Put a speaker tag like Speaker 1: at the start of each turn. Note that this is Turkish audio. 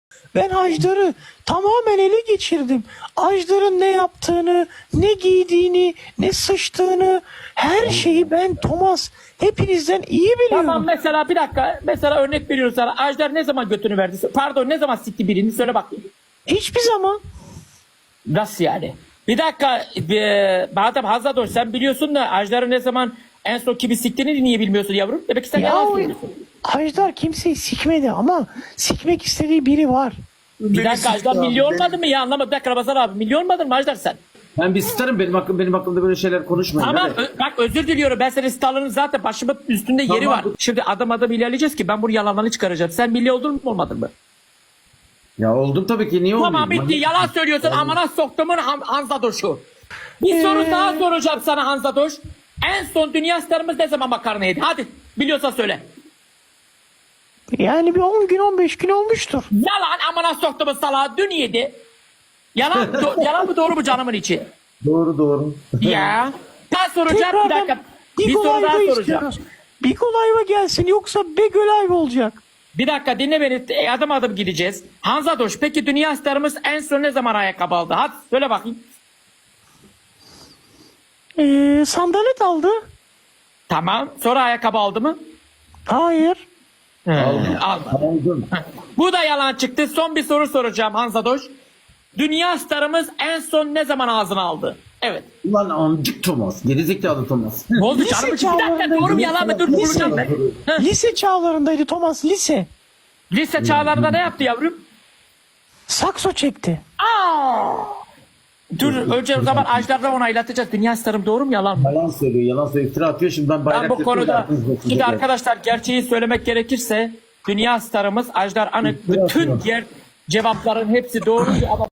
Speaker 1: Ben Ajdar'ı tamamen ele geçirdim. Ajdar'ın ne yaptığını, ne giydiğini, ne sıçtığını, her şeyi ben Thomas hepinizden iyi biliyorum.
Speaker 2: Tamam, mesela bir dakika. Mesela örnek veriyorum sana. Ajdar ne zaman götünü verdi? Pardon, ne zaman sikti birini? Söyle bakayım.
Speaker 1: Hiçbir zaman.
Speaker 2: Nasıl yani? Bir dakika. Madem Hazzadoş sen biliyorsun da Ajdar'ı ne zaman en son kimi siktiğini niye bilmiyorsun yavrum? Demek ki sen
Speaker 1: Ya
Speaker 2: yalan
Speaker 1: o
Speaker 2: söylüyorsun.
Speaker 1: Ajdar kimseyi sikmedi ama sikmek istediği biri var.
Speaker 2: Bir dakika, Ajdar milyon olmadı mı ya? Anlamadım. Bir dakika Ramazan abi. Milyon olmadın mı Ajdar sen?
Speaker 3: Ben bir starım, benim hakkımda böyle şeyler konuşmayın.
Speaker 2: Tamam,
Speaker 3: hadi.
Speaker 2: bak özür diliyorum. Ben senin starların zaten başımın üstünde yeri
Speaker 3: Tamam.
Speaker 2: var. Şimdi adım ilerleyeceğiz ki ben bunu yalanlarını çıkaracağım. Sen milli oldun mu olmadın mı?
Speaker 3: Ya oldum tabii ki, niye olmayayım?
Speaker 2: Tamam, bitti. Yalan söylüyorsun. Amına soktumun Hanzadoş'u. Bir soru daha soracağım sana Hanzadoş. En son dünya starımız ne zaman makarna yedi? Hadi biliyorsan söyle.
Speaker 1: Yani bir 10 gün 15 gün olmuştur.
Speaker 2: Yalan, amına soktumun salağı dün yedi. Yalan, yalan mı doğru mu canımın içi?
Speaker 3: Doğru.
Speaker 2: Ya. Ben soracağım bir dakika. Bir soru daha
Speaker 1: Live
Speaker 2: soracağım.
Speaker 1: istiyoruz. Biko Live'a gelsin yoksa Bego Live olacak.
Speaker 2: Bir dakika dinle beni. Adım adım gideceğiz. Hanzadoş, peki dünya starımız en son ne zaman ayakkabı aldı? Hadi söyle bakayım.
Speaker 1: Sandalet aldı.
Speaker 2: Tamam. Sonra ayakkabı aldı mı?
Speaker 1: Hayır.
Speaker 2: Aldı.
Speaker 3: Aldım.
Speaker 2: Bu da yalan çıktı. Son bir soru soracağım Hanzadoş. Dünya starımız en son ne zaman ağzına aldı? Evet.
Speaker 3: Ulan amcık Thomas. Gerizekalı Thomas.
Speaker 2: Ne oldu
Speaker 1: Lise
Speaker 2: canım? Bir dakika,
Speaker 1: çağlarında
Speaker 2: doğru mu yalan mı? Dur
Speaker 1: lise.
Speaker 2: bulacağım ben. Heh.
Speaker 1: Lise çağlarındaydı Thomas, lise.
Speaker 2: Lise çağlarında ne yaptı yavrum?
Speaker 1: Sakso çekti.
Speaker 2: Dur önce o zaman Ajdar'la onaylatacağız. Dünya starım doğru mu yalan mı?
Speaker 3: Yalan söylüyor, iftira atıyor. Şimdi ben bayrak
Speaker 2: Ben bu konuda
Speaker 3: yapıyorum.
Speaker 2: şimdi arkadaşlar gerçeği söylemek gerekirse dünya starımız Ajdar Anık bütün diğer cevapların hepsi doğru ama